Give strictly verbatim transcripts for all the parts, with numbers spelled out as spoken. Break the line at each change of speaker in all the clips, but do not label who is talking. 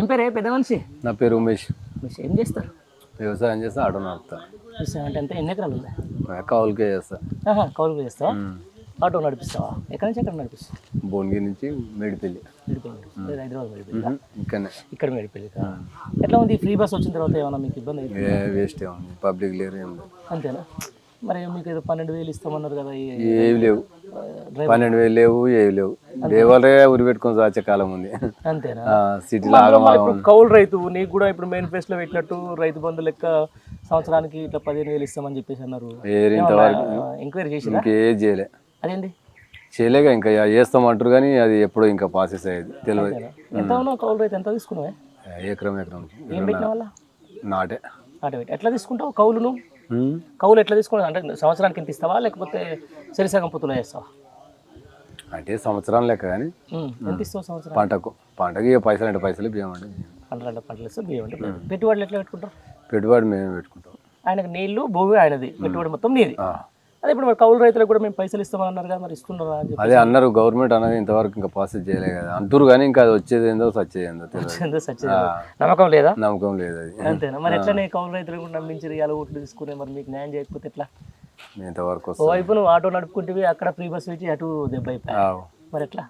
పేరు పెద్ద మనిషి?
నా పేరు ఉమేష్.
ఉమేష్ ఏం చేస్తారు?
వ్యవసాయం చేస్తా, ఆటో నడుపుతా.
వ్యవసాయం అంటే ఎంత ఎన్ని ఎకరాలు ఉంది?
కౌలుకే చేస్తా.
కౌలుకు చేస్తావా? ఆటో నడిపిస్తావా? ఎక్కడి నుంచి ఎక్కడ నడిపిస్తావు?
భువనగిరి నుంచి మేడిపల్లి.
మేడిపల్లి హైదరాబాద్ మేడిపల్లి
ఇక్కడనే
ఇక్కడ మేడిపల్లి. ఎట్లా ఉంది ఫ్రీ బస్ వచ్చిన తర్వాత? ఏమన్నా మీకు ఇబ్బంది అయితే?
వేస్ట్ ఉంది, పబ్లిక్ లేరు ఏం లేదు.
అంతేనా? మరి మీకు ఏదో పన్నెండు వేలు ఇస్తామన్నారు కదా?
ఏవి లేవు, పన్నెండు వేలు లేవు, ఏవి లేవు. దేవాలే ఉరి పెట్టుకొని వచ్చే కాలం ఉంది.
అంతేనా?
సిటీలో
కౌలు రైతు నీకు కూడా ఇప్పుడు మేనిఫెస్టోలో పెట్టినట్టు రైతు బంధు లెక్క సంవత్సరానికి ఇట్లా పదిహేను వేలు ఇస్తామని చెప్పేసి అన్నారు. ఎంక్వైరీ చేసి
ఇంకేం చేయలే.
అదేంటి
చేయలేక ఇంకా చేస్తామంటారు కానీ అది ఎప్పుడో ఇంకా ప్రాసెస్ అయ్యేది తెలియదు.
ఎంత ఉన్నావు కౌలు రైతు? ఎంత తీసుకున్నావే?
ఎకరం ఎకరం
ఏం పెట్టిన వాళ్ళ
నాటే
నాటే పెట్టి ఎట్లా తీసుకుంటావు కౌలును? కౌలు ఎట్లా తీసుకుంటావు? అంటే సంవత్సరానికి ఎంత ఇస్తావా లేకపోతే సరిసగం పొత్తులో చేస్తావా?
అంటే సంవత్సరం లెక్క కానీ
ఎంత ఇస్తావు సంవత్సరం?
పంటకు పంటకి పైసలు అంటే పైసలు బియ్యం అంటే
పంటలు అంటే పంటలు ఇస్తావు, బియ్యం అంటే పెట్టుబడులు ఎట్లా పెట్టుకుంటావు?
పెట్టుబడి మేము పెట్టుకుంటాం.
ఆయనకు నీళ్లు భూమి ఆయనది, పెట్టుబడి మొత్తం నీది. అదే ఇప్పుడు మరి కౌలు రైతులకు కూడా మేము పైసలు ఇస్తామని అన్నారు కదా, మరి ఇస్తున్నారా?
అదే అన్నారు, గవర్నమెంట్ అనేది ఇంతవరకు ఇంకా ప్రాసెస్ చేయలేదు కదా అంటారు కానీ ఇంకా అది వచ్చేది ఏందో సచ్చేది ఏందో తెలియదు.
నమ్మకం లేదా?
నమ్మకం లేదు అది.
అంతేనా? మరి ఎట్లనే కౌలు రైతులకు కూడా నమ్మించి ఇవాళ ఓట్లు తీసుకునే మరి మీకు న్యాయం చేయకపోతే ఎట్లా?
ఇంతవరకు
వైపు నువ్వు ఆటో నడుపుకుంటే అక్కడ ఫ్రీ బస్ పెట్టి అటు దెబ్బ అయిపోయావు, మరి ఎట్లా?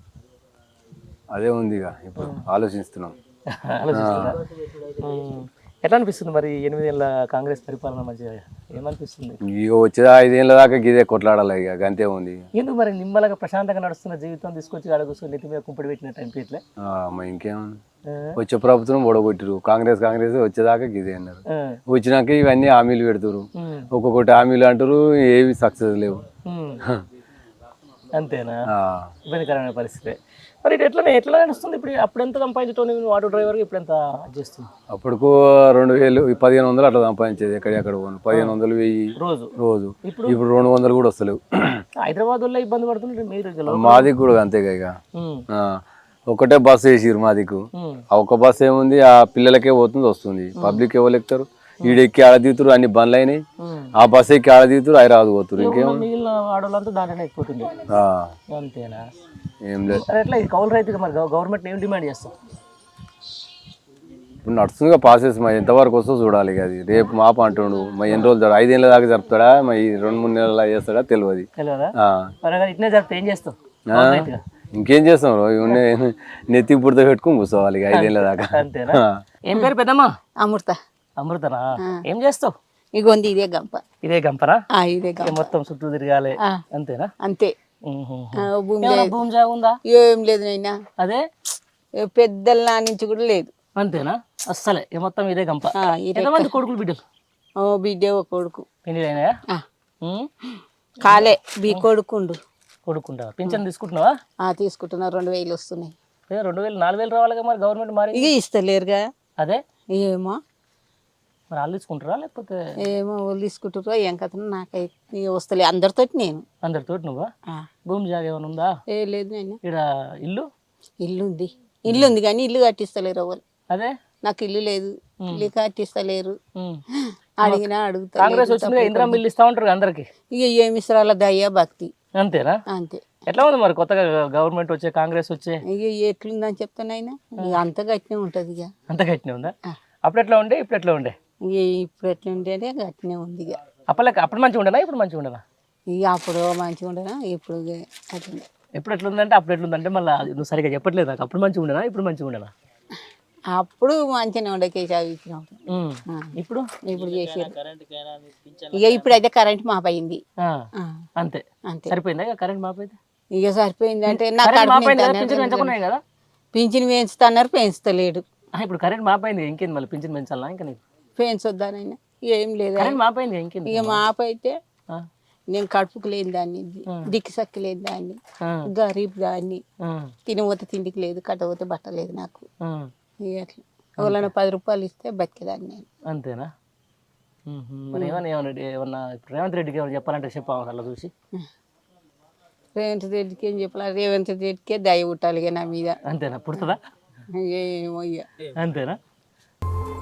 అదే ఉంది ఇక ఇప్పుడు ఆలోచిస్తున్నాం.
ఆలోచిస్తున్నా. ఎట్లా అనిపిస్తుంది మరి ఎనిమిది ఏళ్ళ కాంగ్రెస్ పరిపాలన మంచిగా ఏమనిపిస్తుంది?
ఇక వచ్చేది ఐదేళ్ళ దాకా గిదే కొట్లాడాలి ఇక అంతే ఉంది.
ఎందుకు మరి నిమ్మలగా ప్రశాంతంగా నడుస్తున్న జీవితం తీసుకొచ్చి అడుగుసుకొని నెత్తి మీద కుంపడి పెట్టినట్టు అనిపించలే?
ఇంకేం వచ్చే ప్రభుత్వం ఓడగొట్టిరు, కాంగ్రెస్ కాంగ్రెస్ వచ్చేదాకా గిదే అన్నారు. వచ్చినాక ఇవన్నీ హామీలు పెడతారు, ఒక్కొక్కటి హామీలు అంటారు, ఏవి సక్సెస్ లేవు.
అంతేనా? ఇబ్బందికరమైన పరిస్థితి. మరి ఇది ఎట్లా ఎట్లా నడుస్తుంది ఇప్పుడు? అప్పుడు ఎంత సంపాదించడం నువ్వు ఆటో డ్రైవర్గా, ఇప్పుడు ఎంత చేస్తుంది?
అప్పుడుకు రెండు వేలు పదిహేను వందలు అట్లా సంపాదించేది. ఎక్కడెక్కడ పదిహేను వందలు వెయ్యి
రోజు
రోజు ఇప్పుడు రెండు వందలు కూడా వస్తలేవు.
హైదరాబాద్ వల్ల ఇబ్బంది పడుతుంది మీరు?
మాది కూడా అంతేగా ఇక ఒకటే బస్సు వేసిరు మాదికు. ఆ ఒక్క బస్సు ఏముంది, ఆ పిల్లలకే పోతుంది వస్తుంది, పబ్లిక్ ఎవరు ఎక్కుతారు? ఈడెక్కి ఆడ దిగుతారు, అన్ని బండ్లు అయినాయి. ఆ బస్సు ఎక్కి ఆడ దిగుతారు, హైదరాబాద్ పోతారు. ఇంకేమో
మిగిలిన ఆడవాళ్ళంతా దాంట్లోనే ఎక్కుతుంది. అంతేనా?
ఏం లేదు.
ఎట్లా ఇది కౌలు రైతుగా మరి గవర్నమెంట్ ఏం డిమాండ్ చేస్తాం?
ఇప్పుడు నడుస్తుందిగా ప్రాసెస్, మరి ఎంతవరకు వస్తుందో చూడాలి. అది రేపు మాప అంటుండు, మరి ఎన్ని రోజులు ఐదేళ్ళ దాకా జరుపుతాడా, మరి రెండు మూడు నెలల చేస్తాడా తెలియదు.
తెలియదా? ఇట్నే జరిపితే ఏం చేస్తావు?
ఇంకేం చేస్తాం, నెత్తి పుడత పెట్టుకుని కూర్చోవాలి ఇక ఐదేళ్ళ దాకా.
అంతేనా? ఏం పేరు పెద్దమ్మా?
అమృత.
అమృతనా? ఏం చేస్తావు?
ఇగోంది ఇదే గంప.
ఇదే గంపరా?
ఇదే గంప.
మొత్తం చుట్టూ తిరగాలి అంతేనా?
అంతే.
భూమి జాగా ఉందా?
ఏం లేదు నైనా,
అదే
పెద్దల నుంచి కూడా లేదు.
అంతేనా? అస్సలే మొత్తం ఇదే గంప. ఎంతమంది కొడుకులు బిడ్డలు?
ఓ బిడ్డ ఒక కొడుకు.
పెళ్లి అయినాయా?
కాలే బీ కొడుకుండు.
కొడుకుంటా? పింఛన్ తీసుకుంటున్నావా?
తీసుకుంటున్నా, రెండు వేలు వస్తున్నాయి.
రెండు వేలు నాలుగు వేలు రావాలిగా మరి, గవర్నమెంట్ మరి
ఇక ఇస్తలేరుగా.
అదే
ఏమో
మరి వాళ్ళు తీసుకుంటారా లేకపోతే?
ఏమో వాళ్ళు తీసుకుంటారో ఏం కథ, నాకైతే వస్తలే. అందరితో నేను
అందరితో నువ్వా? భూమి జాగా ఏమైనా ఉందా? ఏ
లేదు నేను.
ఇక్కడ ఇల్లు
ఇల్లు ఉంది, ఇల్లు ఉంది కానీ ఇల్లు కట్టిస్తలేరు వాళ్ళు.
అదే నాకు
ఇల్లు లేదు, ఇల్లు కట్టిస్తలేరు. అడిగినా అడుగుతా.
కాంగ్రెస్ వచ్చింది, ఇందిరా మిల్లు ఇస్తా ఉంటారు అందరికి.
ఇక ఏమి ఇస్తారా, దయ్యా భక్తి.
అంతేనా?
అంతే.
ఎట్లా ఉంది మరి కొత్తగా గవర్నమెంట్ వచ్చే, కాంగ్రెస్ వచ్చే?
ఇక ఎట్లుందని చెప్తానైనా, ఇక అంత గట్టినే ఉంటది. ఇక
అంత గట్టినే ఉందా? అప్పుడు ఎట్లా ఉండే ఇప్పుడు ఎట్లా ఉండే?
ఇక ఇప్పుడు ఎట్లా ఉంటేనే గట్టినే ఉంది. ఇక
అప్పలకి అప్పుడు మంచిగా ఉండనా ఇప్పుడు మంచిగా ఉండనా?
ఇక అప్పుడు మంచిగా ఉండనా, ఇప్పుడు అట్లా.
ఎప్పుడు ఎట్లుందంటే అప్పుడు ఎట్లుందంటే మళ్ళీ నువ్వు సరిగా చెప్పట్లేదు నాకు. అప్పుడు మంచిగా ఉండనా ఇప్పుడు మంచిగా ఉండనా?
అప్పుడు మంచిగానే ఉండే కేసీఆర్ ఇచ్చినప్పుడు.
ఇప్పుడు
ఇప్పుడు చేసారు. ఇక ఇప్పుడు అయితే కరెంట్ మాపయింది.
అంతే అంతే సరిపోయిందా? కరెంట్ మాపైతే
ఇక సరిపోయింది అంటే నాకు
కదా
పింఛన్ పెంచుతున్నారు, పెంచుతలేడు.
ఇప్పుడు కరెంట్ మాపైంది, ఇంకేంది మళ్ళీ పింఛన్ పెంచాలా? ఇంకా నీకు
పెంచొద్దానైనా ఏం లేదు.
మాపైంది ఇంకేంది?
ఇక మాపైతే నేను కడుపుకు లేని దాన్ని, దిక్కు సక్కి లేని దాన్ని, గరీబ్ దాన్ని, తినబోతే తిండికి లేదు, కట్టబోతే బట్ట లేదు నాకు. ఇక అట్లా ఎవరైనా పది రూపాయలు ఇస్తే బతికేదాన్ని నేను.
అంతేనా? మరి ఏమన్నా ఏమన్నా ఏమన్నా రేవంత్ రెడ్డికి ఏమన్నా చెప్పాలంటే చెప్పాలి అలా చూసి.
రేవంత్ రెడ్డికి ఏం చెప్పాలి? రేవంత్ రెడ్డికే దయ పుట్టాలి నా మీద.
అంతేనా? పుడుతుందా?
ఏమో ఇక.
అంతేనా?